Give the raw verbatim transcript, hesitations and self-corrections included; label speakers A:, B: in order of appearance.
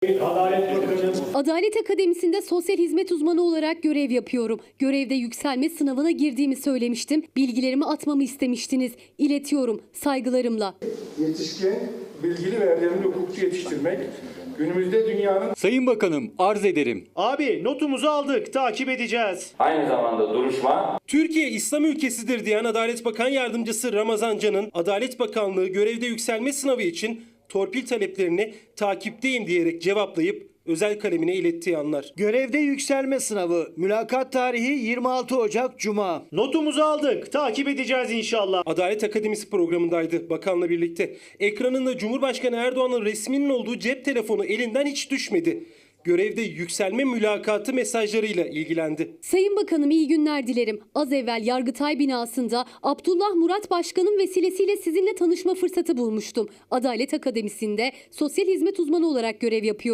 A: Adalet Bakanı.
B: Adalet Akademisi'nde sosyal hizmet uzmanı olarak görev yapıyorum. Görevde yükselme sınavına girdiğimi söylemiştim. Bilgilerimi atmamı istemiştiniz. İletiyorum saygılarımla.
A: Yetişkin, bilgili ve erdemli hukukçu yetiştirmek günümüzde dünyanın...
C: Sayın Bakanım, arz ederim.
D: Abi notumuzu aldık, takip edeceğiz.
E: Aynı zamanda duruşma
F: Türkiye İslam ülkesidir diyen Adalet Bakan Yardımcısı Ramazan Can'ın Adalet Bakanlığı görevde yükselme sınavı için torpil taleplerini takipteyim diyerek cevaplayıp özel kalemine ilettiği anlar.
G: Görevde yükselme sınavı. Mülakat tarihi yirmi altı Ocak Cuma.
D: Notumuzu aldık, takip edeceğiz inşallah.
F: Adalet Akademisi programındaydı bakanla birlikte. Ekranında Cumhurbaşkanı Erdoğan'ın resminin olduğu cep telefonu elinden hiç düşmedi. Görevde yükselme mülakatı mesajlarıyla ilgilendi.
B: Sayın Bakanım iyi günler dilerim. Az evvel Yargıtay binasında Abdullah Murat Başkan'ın vesilesiyle sizinle tanışma fırsatı bulmuştum. Adalet Akademisi'nde sosyal hizmet uzmanı olarak görev yapıyorum.